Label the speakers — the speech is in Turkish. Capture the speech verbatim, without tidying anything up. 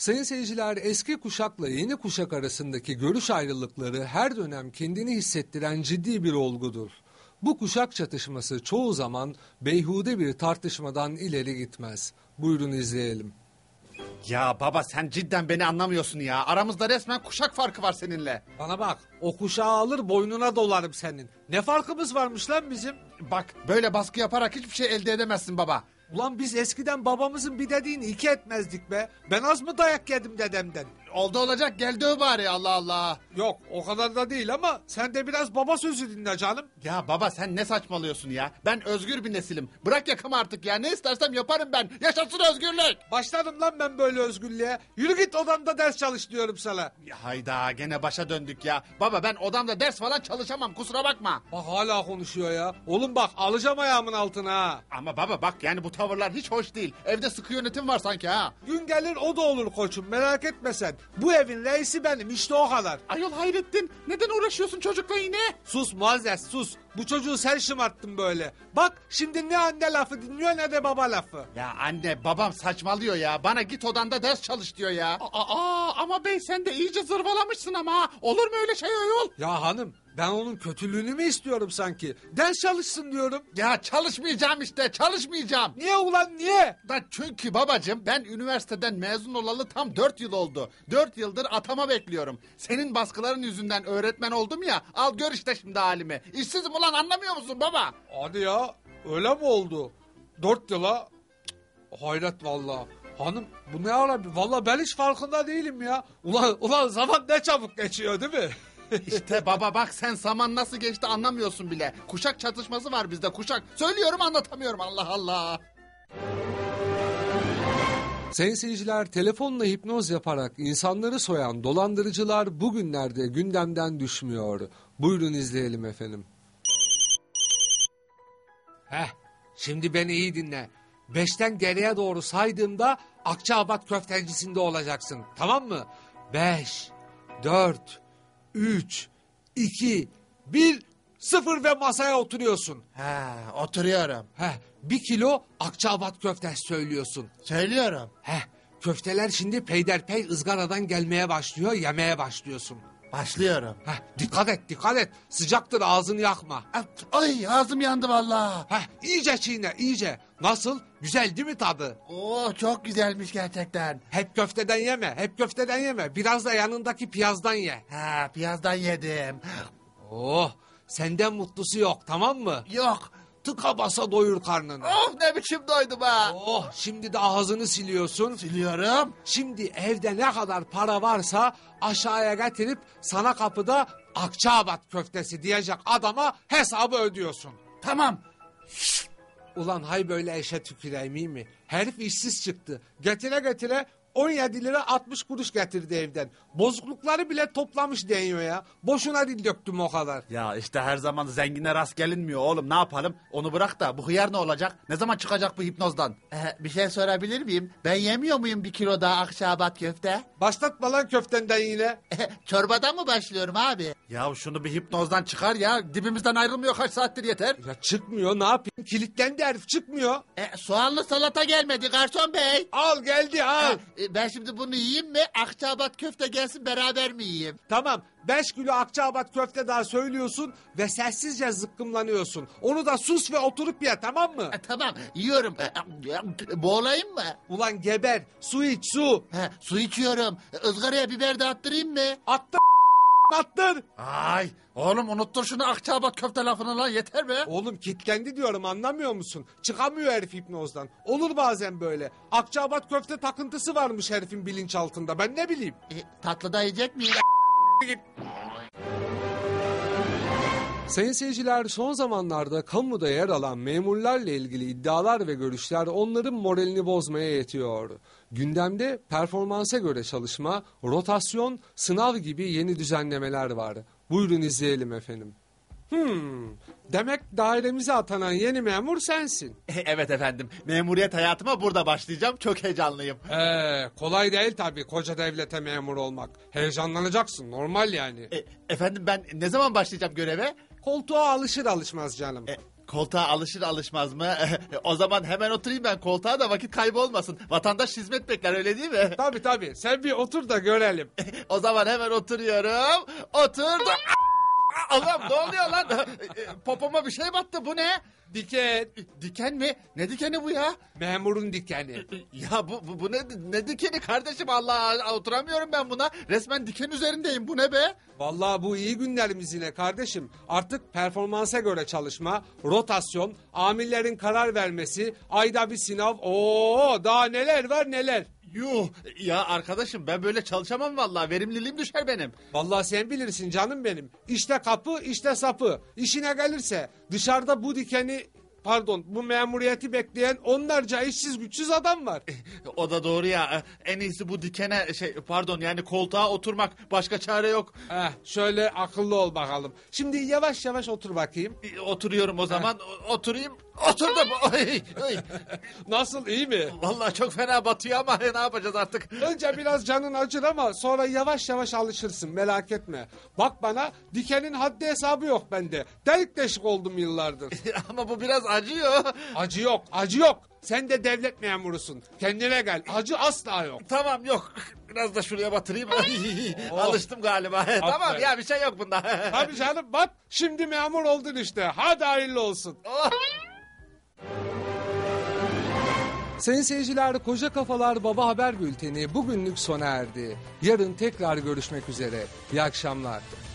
Speaker 1: Sayın seyirciler, eski kuşakla yeni kuşak arasındaki görüş ayrılıkları her dönem kendini hissettiren ciddi bir olgudur. Bu kuşak çatışması çoğu zaman beyhude bir tartışmadan ileri gitmez. Buyurun izleyelim.
Speaker 2: Ya baba sen cidden beni anlamıyorsun ya. Aramızda resmen kuşak farkı var seninle.
Speaker 3: Bana bak, o kuşağı alır boynuna dolarım senin. Ne farkımız varmış lan bizim?
Speaker 2: Bak böyle baskı yaparak hiçbir şey elde edemezsin baba.
Speaker 3: Ulan biz eskiden babamızın bir dediğini iki etmezdik be. Ben az mı dayak yedim dedemden?
Speaker 2: Oldu olacak gel döv bari Allah Allah.
Speaker 3: Yok o kadar da değil ama sen de biraz baba sözü dinle canım.
Speaker 2: Ya baba sen ne saçmalıyorsun ya? Ben özgür bir nesilim. Bırak yakamı artık ya. Ne istersem yaparım ben. Yaşasın özgürlük.
Speaker 3: Başladım lan ben böyle özgürlüğe. Yürü git odanda ders çalış diyorum sana.
Speaker 2: Ya hayda gene başa döndük ya. Baba ben odamda ders falan çalışamam kusura bakma.
Speaker 3: Bak hala konuşuyor ya. Oğlum bak alacağım ayağımın altına ha.
Speaker 2: Ama baba bak yani bu tavırlar hiç hoş değil. Evde sıkı yönetim var sanki ha.
Speaker 3: Gün gelir o da olur koçum, merak etme sen. Bu evin reisi benim, işte o kadar.
Speaker 2: Ayol Hayrettin neden uğraşıyorsun çocukla yine?
Speaker 3: Sus Muazzez sus. Bu çocuğu sen şımarttın böyle. Bak şimdi ne anne lafı dinliyor ne de baba lafı.
Speaker 2: Ya anne babam saçmalıyor ya. Bana git odanda ders çalış diyor ya. Aa, ama bey sen de iyice zırvalamışsın ama. Olur mu öyle şey ayol?
Speaker 3: Ya hanım ben onun kötülüğünü mü istiyorum sanki? Ders çalışsın diyorum.
Speaker 2: Ya çalışmayacağım işte çalışmayacağım.
Speaker 3: Niye ulan niye?
Speaker 2: Da çünkü babacığım ben üniversiteden mezun olalı tam dört yıl oldu. Dört yıldır atama bekliyorum. Senin baskıların yüzünden öğretmen oldum ya. Al gör işte şimdi halimi. İşsizim ulan anlamıyor musun baba?
Speaker 3: Hadi ya öyle mi oldu? Dört yıla Cık, hayret valla. Hanım bu ne ara? Valla ben hiç farkında değilim ya. Ulan, ulan zaman ne çabuk geçiyor değil mi?
Speaker 2: İşte baba bak sen zaman nasıl geçti anlamıyorsun bile. Kuşak çatışması var bizde kuşak. Söylüyorum anlatamıyorum Allah Allah.
Speaker 1: Sayın seyirciler, telefonla hipnoz yaparak insanları soyan dolandırıcılar bugünlerde gündemden düşmüyor. Buyurun izleyelim efendim.
Speaker 3: Heh, şimdi beni iyi dinle. Beşten geriye doğru saydığımda Akçaabat köftecisinde olacaksın. Tamam mı? Beş, dört, üç, iki, bir, sıfır ve masaya oturuyorsun.
Speaker 2: Ha oturuyorum.
Speaker 3: Heh, bir kilo Akçaabat köftesi söylüyorsun.
Speaker 2: Söylüyorum.
Speaker 3: Heh, köfteler şimdi peyderpey ızgaradan gelmeye başlıyor, yemeye başlıyorsun.
Speaker 2: Başlıyorum.
Speaker 3: Heh, dikkat et, dikkat et. Sıcaktır, ağzını yakma.
Speaker 2: Ay ağzım yandı vallahi.
Speaker 3: Heh, iyice çiğne, iyice. Nasıl? Güzel değil mi tadı?
Speaker 2: Oo çok güzelmiş gerçekten.
Speaker 3: Hep köfteden yeme, hep köfteden yeme. Biraz da yanındaki piyazdan ye.
Speaker 2: Ha piyazdan yedim.
Speaker 3: Oh, senden mutlusu yok, tamam mı?
Speaker 2: Yok.
Speaker 3: Tıka basa doyur karnını.
Speaker 2: Oh ne biçim doydum ha.
Speaker 3: Oh, şimdi de ağzını siliyorsun.
Speaker 2: Siliyorum.
Speaker 3: Şimdi evde ne kadar para varsa aşağıya getirip sana kapıda Akçaabat köftesi diyecek adama hesabı ödüyorsun.
Speaker 2: Tamam.
Speaker 3: Ulan hay böyle eşe tüküreyim iyi mi? Herif işsiz çıktı. Getire getire on yedi lira altmış kuruş getirdi evden. Bozuklukları bile toplamış deniyor ya. Boşuna dil döktüm o kadar.
Speaker 2: Ya işte her zaman zengine rast gelinmiyor oğlum ne yapalım? Onu bırak da bu hıyar ne olacak? Ne zaman çıkacak bu hipnozdan? Ee, bir şey sorabilir miyim? Ben yemiyor muyum bir kilo daha Akçaabat köfte?
Speaker 3: Başlatma lan köftenden yine.
Speaker 2: Çorbadan mı başlıyorum abi? Ya şunu bir hipnozdan çıkar ya. Dibimizden ayrılmıyor kaç saattir yeter.
Speaker 3: Ya çıkmıyor ne yapayım? Kilitlendi herif çıkmıyor.
Speaker 2: E, soğanlı salata gelmedi garson bey.
Speaker 3: Al geldi al.
Speaker 2: E, ben şimdi bunu yiyeyim mi? Akçaabat köfte gelsin beraber mi yiyeyim?
Speaker 3: Tamam beş kilo Akçaabat köfte daha söylüyorsun ve sessizce zıkkımlanıyorsun. Onu da sus ve oturup ye tamam mı?
Speaker 2: E, tamam yiyorum. E, boğulayım mı?
Speaker 3: Ulan geber su iç su.
Speaker 2: He, su içiyorum. E, ızgaraya biber de attırayım mı?
Speaker 3: Attır attır.
Speaker 2: Ay oğlum unuttur şunu Akçaabat köfte lafını lan yeter be.
Speaker 3: Oğlum kilitlendi diyorum anlamıyor musun? Çıkamıyor herif hipnozdan. Olur bazen böyle. Akçaabat köfte takıntısı varmış herifin bilinçaltında ben ne bileyim.
Speaker 2: E, tatlı da yiyecek miyim?
Speaker 1: Sayın seyirciler, son zamanlarda kamuda yer alan memurlarla ilgili iddialar ve görüşler onların moralini bozmaya yetiyor. Gündemde performansa göre çalışma, rotasyon, sınav gibi yeni düzenlemeler var. Buyurun izleyelim efendim. Hmm, demek dairemize atanan yeni memur sensin.
Speaker 2: Evet efendim. Memuriyet hayatıma burada başlayacağım. Çok heyecanlıyım.
Speaker 1: Ee, kolay değil tabii koca devlete memur olmak. Heyecanlanacaksın normal yani.
Speaker 2: E, efendim ben ne zaman başlayacağım göreve?
Speaker 1: Koltuğa alışır alışmaz canım.
Speaker 2: E, Koltuğa alışır alışmaz mı? O zaman hemen oturayım ben koltuğa da vakit kaybolmasın. Vatandaş hizmet bekler öyle değil mi?
Speaker 1: Tabii tabii, sen bir otur da görelim.
Speaker 2: O zaman hemen oturuyorum. Oturdum. Allah'ım ne oluyor lan? Popoma bir şey battı bu ne?
Speaker 1: Diken.
Speaker 2: Diken mi? Ne dikeni bu ya?
Speaker 1: Memurun dikeni.
Speaker 2: Ya bu, bu, bu ne, ne dikeni kardeşim Allah oturamıyorum ben buna. Resmen diken üzerindeyim bu ne be?
Speaker 1: Vallahi bu iyi günlerimiz yine kardeşim. Artık performansa göre çalışma, rotasyon, amirlerin karar vermesi, ayda bir sınav. Oo, daha neler var neler.
Speaker 2: Yuh ya arkadaşım ben böyle çalışamam vallahi verimliliğim düşer benim.
Speaker 1: Vallahi sen bilirsin canım benim. İşte kapı, işte sapı. İşine gelirse dışarıda bu dikeni, pardon, bu memuriyeti bekleyen onlarca işsiz güçsüz adam var.
Speaker 2: O da doğru ya. En iyisi bu dikene şey pardon yani koltuğa oturmak başka çare yok.
Speaker 1: Eh, şöyle akıllı ol bakalım. Şimdi yavaş yavaş otur bakayım.
Speaker 2: Oturuyorum o zaman. O- Oturayım. Oturdum. Oy, oy.
Speaker 1: Nasıl, iyi mi?
Speaker 2: Vallahi çok fena batıyor ama ne yapacağız artık?
Speaker 1: Önce biraz canın acır ama sonra yavaş yavaş alışırsın, merak etme. Bak bana, dikenin haddi hesabı yok bende. Delik deşik oldum yıllardır.
Speaker 2: Ama bu biraz acıyor.
Speaker 1: Acı yok, acı yok. Sen de devlet memurusun. Kendine gel, acı asla yok.
Speaker 2: Tamam yok. Biraz da şuraya batırayım. Ay,
Speaker 1: Oh.
Speaker 2: Alıştım galiba. Tamam ya bir şey yok bunda.
Speaker 1: Tabii canım, bak şimdi memur oldun işte. Hadi hayırlı olsun.
Speaker 2: Oh.
Speaker 1: Sayın seyirciler, Koca Kafalar Baba Haber Bülteni bugünlük sona erdi. Yarın tekrar görüşmek üzere. İyi akşamlar.